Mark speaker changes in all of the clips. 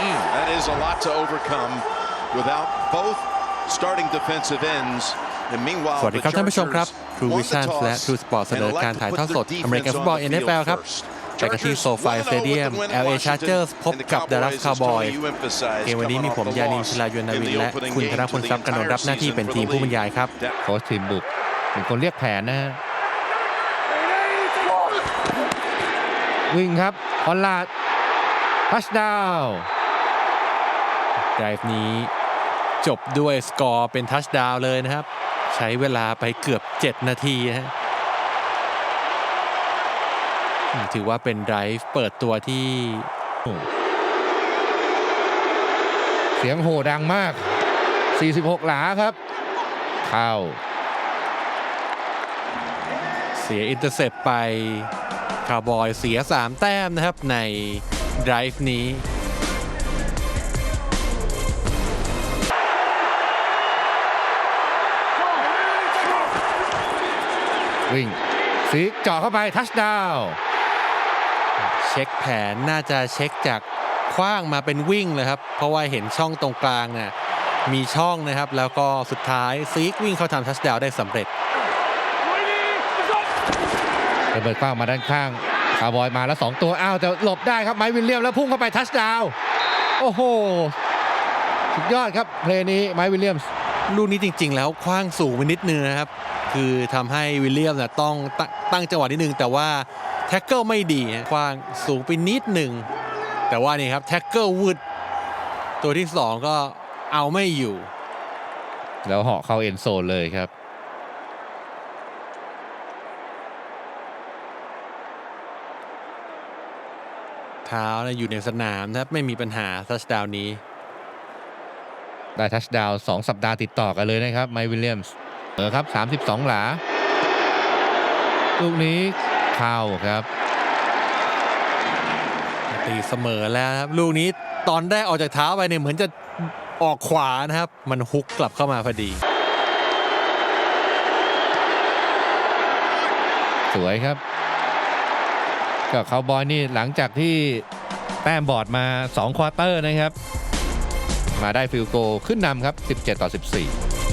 Speaker 1: That is a lot to overcome without both starting defensive ends.
Speaker 2: สวัสดีครับท่านผู้ชมครับ True Vision และ True Sport เสนอการถ่ายทอดสดอเมริกันฟุตบอล NFL ครับแต่กันที่โซฟาสเตเดียม LA Chargers พบกับ Dallas Cowboys เกมวันนี้มีผมยานิน ชิลายุนนาวินและคุณธนพลทรัพย์กนนท์รับหน้าที่เป็นทีมผู้บรรยายครับ
Speaker 3: โค้ชทีมบุกเป็นคนเรียกแผนนะฮะวิ่งครับคอนลาดทัชดาวน์
Speaker 2: ไดรฟ์นี้จบด้วยสกอร์เป็นทัชดาวน์เลยนะครับใช้เวลาไปเกือบ7นาทีนะฮะถือว่าเป็นไดรฟ์เปิดตัวที่
Speaker 3: เสียงโห่ดังมาก46หลาครับเข้า
Speaker 2: เสียอินเตอร์เซปไปคาวบอยเสีย3แต้มนะครับในไดรฟ์นี้
Speaker 3: วิ่งซีกจ่อเข้าไปทัชดาวน์
Speaker 2: เช็คแผนน่าจะเช็คจากขว้างมาเป็นวิ่งเลยครับเพราะว่าเห็นช่องตรงกลางเนี่ยมีช่องนะครับแล้วก็สุดท้ายซีกวิ่งเข้าทำทัชดาวน์ได้สำเร็จ
Speaker 3: ระเบิดกว้างมาด้านข้างคาวบอยมาแล้ว2ตัวอ้าวจะหลบได้ครับไมค์วิลเลียมแล้วพุ่งเข้าไปทัชดาวน์โอ้โหสุดยอดครับเพลย์นี้ไมค์วิลเลียม
Speaker 2: ลูกนี้จริงๆแล้วขว้างสูงไปนิดนึงนะครับคือทำให้วิลเลียมต้องตั้งจังหวะนิดนึงแต่ว่าแท็กเกิลไม่ดีขว้างสูงไปนิดหนึ่งแต่ว่านี่ครับแท็กเกิลวืดตัวที่2ก็เอาไม่อยู่
Speaker 3: แล้วเหาะเข้าเอ็นโซนเลยครับ
Speaker 2: เท้าอยู่ในสนามนะครับไม่มีปัญหาทัชดาวน์นี้
Speaker 3: ได้ทัชดาวน์2สัปดาห์ติดต่อกันเลยนะครับไมค์วิลเลียมส์ครับ32หลาลูกนี้เข้าครับ
Speaker 2: ตีเสมอแล้วครับลูกนี้ตอนได้ออกจากเท้าไปเนี่ยเหมือนจะออกขวานะครับมันฮุกกลับเข้ามาพอดี
Speaker 3: สวยครับก็คาวบอยนี่หลังจากที่แต้มบอร์ดมา2ควอเตอร์นะครับมาได้ฟิลด์โกลขึ้นนำครับ17-14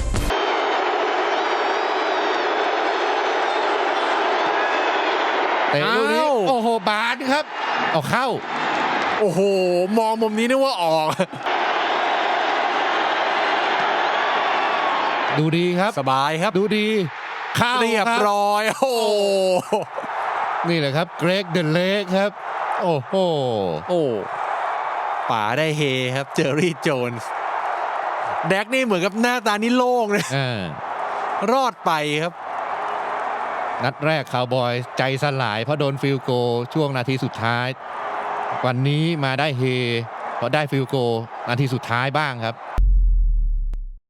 Speaker 3: เตะลูกนี้โอ้โหบาสครับเอาเข้า
Speaker 2: โอ้โหมองมุมนี้นึกว่าออก
Speaker 3: ดูดีครับ
Speaker 2: สบายครับ
Speaker 3: ดูดีเข้า
Speaker 2: เรียบร้อยโอ้
Speaker 3: นี่แหละครับเกรกเดนเล็กครับโอ้โห
Speaker 2: ป๋าได้เฮครับเจอรี่โจนส์แดกนี่เหมือนกับหน้าตานี่โล่งเลยรอดไปครับ
Speaker 3: นัดแรกคาวบอยใจสลายเพราะโดนฟิลด์โกลช่วงนาทีสุดท้ายวันนี้มาได้เฮเพราะได้ฟิลด์โกลนาทีสุดท้ายบ้างครับ